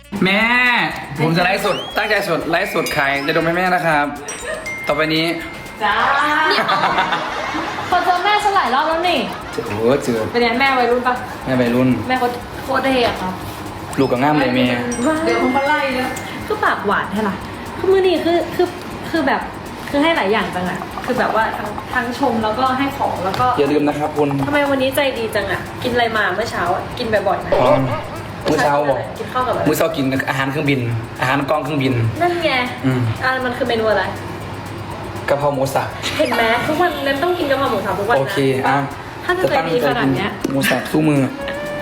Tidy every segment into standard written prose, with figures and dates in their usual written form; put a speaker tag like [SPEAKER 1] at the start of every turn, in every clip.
[SPEAKER 1] แม่ผมจะไลฟ์สดตั้งใจสดไลฟ์สดขายจะดมให้แม่นะครับ ต่อไปนี้
[SPEAKER 2] จ้าคนเจอแม่ฉันหลายรอบแล้วนี่
[SPEAKER 1] โอ้โหเจอ
[SPEAKER 2] เป็นไงแม่วัยรุ่นปะ
[SPEAKER 1] แม่วัยรุ่น
[SPEAKER 2] แม่โคตรเท่อะครับ
[SPEAKER 1] ลูกกับง่ามเลยเมีย
[SPEAKER 2] เดี๋ยวผมมาไล่เลยคือปากหวานใช่ไหมคือมือนี่คือแบบคือให้หลายอย่างจังอะคือแบบว่าทั้งชมแล้วก็ให้ของแล้วก็
[SPEAKER 1] อย่าลืมนะครับคุณ
[SPEAKER 2] ทำไมวันนี้ใจดีจังอะกินอะไรมาเมื่อเช้าอะกินบ่อยๆนะ
[SPEAKER 1] อ๋อมื้อเช้าบอก
[SPEAKER 2] กินข้าวกับอะไร
[SPEAKER 1] มื้อเช้ากินอาหารเครื่องบิน อาหารกองเครื่องบิน
[SPEAKER 2] นั่นไง
[SPEAKER 1] อืม
[SPEAKER 2] มันคือเมนูอะไร
[SPEAKER 1] กะเพราหมูสับ
[SPEAKER 2] เห็นไหมทุกวันนั้นต้องกินกะเพราหมูสับทุกวันนะ
[SPEAKER 1] โอเคอ่ะ
[SPEAKER 2] ถ้าจะใจดีขนาดเนี้ย
[SPEAKER 1] หมูสับสู้มือ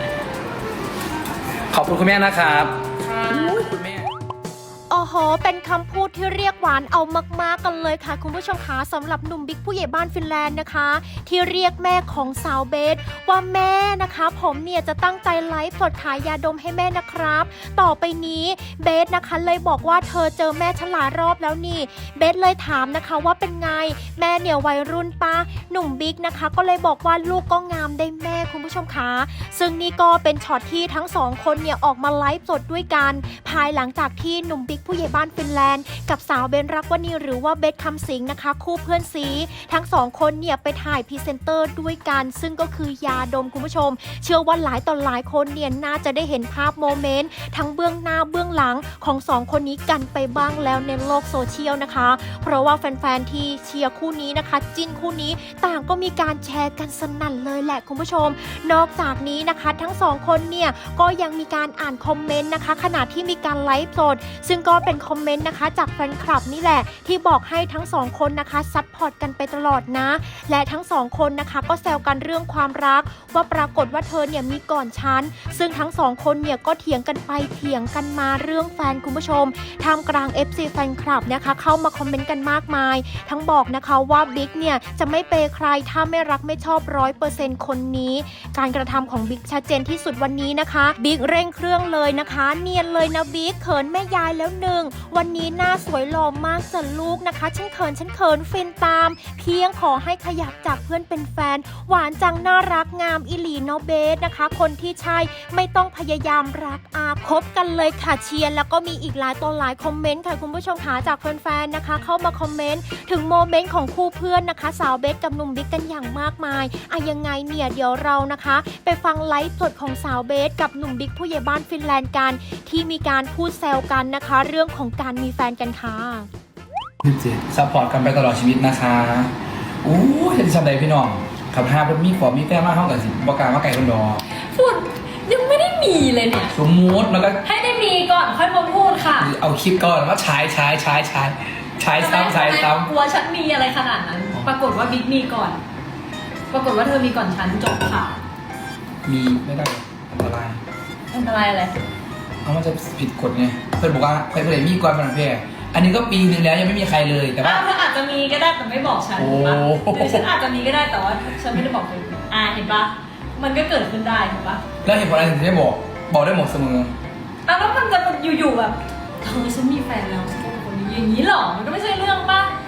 [SPEAKER 1] ขอบคุณคุณแม่นะครับคุณแม่
[SPEAKER 3] โอ้โห เป็นคำพูดที่เรียกหวานเอามากๆกันเลยค่ะคุณผู้ชมคะสำหรับหนุ่มบิ๊กผู้ใหญ่บ้านฟินแลนด์นะคะ ที่เรียกแม่ของสาวเบสว่าแม่นะคะผมเนี่ยจะตั้งใจไลฟ์สดขายยาดมให้แม่นะครับ ต่อไปนี้เบสนะคะเลยบอกว่าเธอเจอแม่ฉันหลายรอบแล้วนี่เบสเลยถามนะคะว่าเป็นไงแม่เนี่ยวัยรุ่นปะหนุ่มบิ๊กนะคะก็เลยบอกว่าลูกก็งามได้แม่คุณผู้ชมคะซึ่งนี่ก็เป็นช็อตที่ทั้งสองคนเนี่ยออกมาไลฟ์สดด้วยกันภายหลังจากที่หนุ่มบิ๊กผู้ใหญ่บ้านฟินแลนด์กับสาวเบนรักวณีหรือว่าเบสคำสิงนะคะคู่เพื่อนซีทั้งสองคนเนี่ยไปถ่ายพรีเซนเตอร์ด้วยกันซึ่งก็คือยาดมคุณผู้ชมเชื่อว่าหลายต่อหลายคนเนี่ยน่าจะได้เห็นภาพโมเมนต์ทั้งเบื้องหน้าเบื้องหลังของสองคนนี้กันไปบ้างแล้วในโลกโซเชียลนะคะเพราะว่าแฟนๆที่เชียร์คู่นี้นะคะจิ้นคู่นี้ต่างก็มีการแชร์กันสนั่นเลยแหละคุณผู้ชมนอกจากนี้นะคะทั้งสองคนเนี่ยก็ยังมีการอ่านคอมเมนต์นะคะขณะที่มีการไลฟ์สดซึ่งก็เป็นคอมเมนต์นะคะจากแฟนคลับนี่แหละที่บอกให้ทั้งสองคนนะคะซัพพอร์ตกันไปตลอดนะและทั้งสองคนนะคะก็แซวกันเรื่องความรักว่าปรากฏว่าเธอเนี่ยมีก่อนฉันซึ่งทั้งสองคนเนี่ยก็เถียงกันไปเถียงกันมาเรื่องแฟนคุณผู้ชมท่ามกลาง FC แฟนคลับนะคะเข้ามาคอมเมนต์กันมากมายทั้งบอกนะคะว่าบิ๊กเนี่ยจะไม่เปย์ใครถ้าไม่รักไม่ชอบ 100% คนนี้การกระทำของบิ๊กชัดเจนที่สุดวันนี้นะคะบิ๊กเร่งเครื่องเลยนะคะเนียนเลยนะบิ๊กเขินแม่ยายแล้วหนึ่งวันนี้หน้าสวยหล่อมากจ้ะลูกนะคะฉันเขินฟินตามเพียงขอให้ขยับจากเพื่อนเป็นแฟนหวานจังน่ารักงามอิหลีโนเบสนะคะคนที่ใช่ไม่ต้องพยายามรักคบกันเลยค่ะเชียร์แล้วก็มีอีกหลายต่อหลายคอมเมนต์ค่ะคุณผู้ชมคะจากแฟนๆนะคะเข้ามาคอมเมนต์ถึงโมเมนต์ของคู่เพื่อนนะคะสาวเบสกับหนุ่มบิ๊กกันอย่างมากมายยังไงเนี่ยเดี๋ยวเรานะคะไปฟังไลฟ์สดของสาวเบสกับหนุ่มบิ๊กผู้ใหญ่บ้านฟินแลนด์กันที่มีการพูดแซวกันนะคะเรื่องของการมีแฟนกันค่ะ
[SPEAKER 1] ซัพพอร์ตกันไปตลอดชีวิตนะคะอู้เห็นสันใดพี่น้องขับห้าเพิ่นมีขอบมีแต้มมากเท่ากับสิบอกการว่าไก่คนดอ
[SPEAKER 2] พูดยังไม่ได้มีเลยเนี่ย
[SPEAKER 1] สมมุติแล้วก็
[SPEAKER 2] ให้ได้มีก่อนค่อยมาพูดค่ะ
[SPEAKER 1] เอาคลิปก่อนว่าใช้ซ้ำ
[SPEAKER 2] กลัวฉันมีอะไรขนาดนั้น ปรากฏว่าบิ๊กมีก่อน ปรากฏว่าเธอมีก่อนฉันจบค่ะ
[SPEAKER 1] มีไม่ได้อันตราย
[SPEAKER 2] อันตรายอะไร
[SPEAKER 1] เพราะมันจะผิดกฎไงเพื่อนบอกว่าใครเพื่อนมีก่อนมันแพ้อันนี้ก็ปีนึงแล้วยังไม่มีใครเลยแต่ว่า
[SPEAKER 2] เธออาจจะมีก็ได้แต่ไม่บอกฉัน
[SPEAKER 1] โอ้
[SPEAKER 2] ถูกปะหรือฉันอาจจะมีก็ได้แต่ว่าฉันไม่ได้บอกเธอเห็นปะมันก็เกิดขึ้นได้ถูกปะ
[SPEAKER 1] แล้วเหตุผลอะไรถึงได้บอกได้หมดเสมอ
[SPEAKER 2] แล้วมันจะอยู่ๆแบบเธอฉันมีแฟนแล้วฉันเป็นคนนี้อย่างนี้หรอมันก็ไม่ใช่เรื่องปะ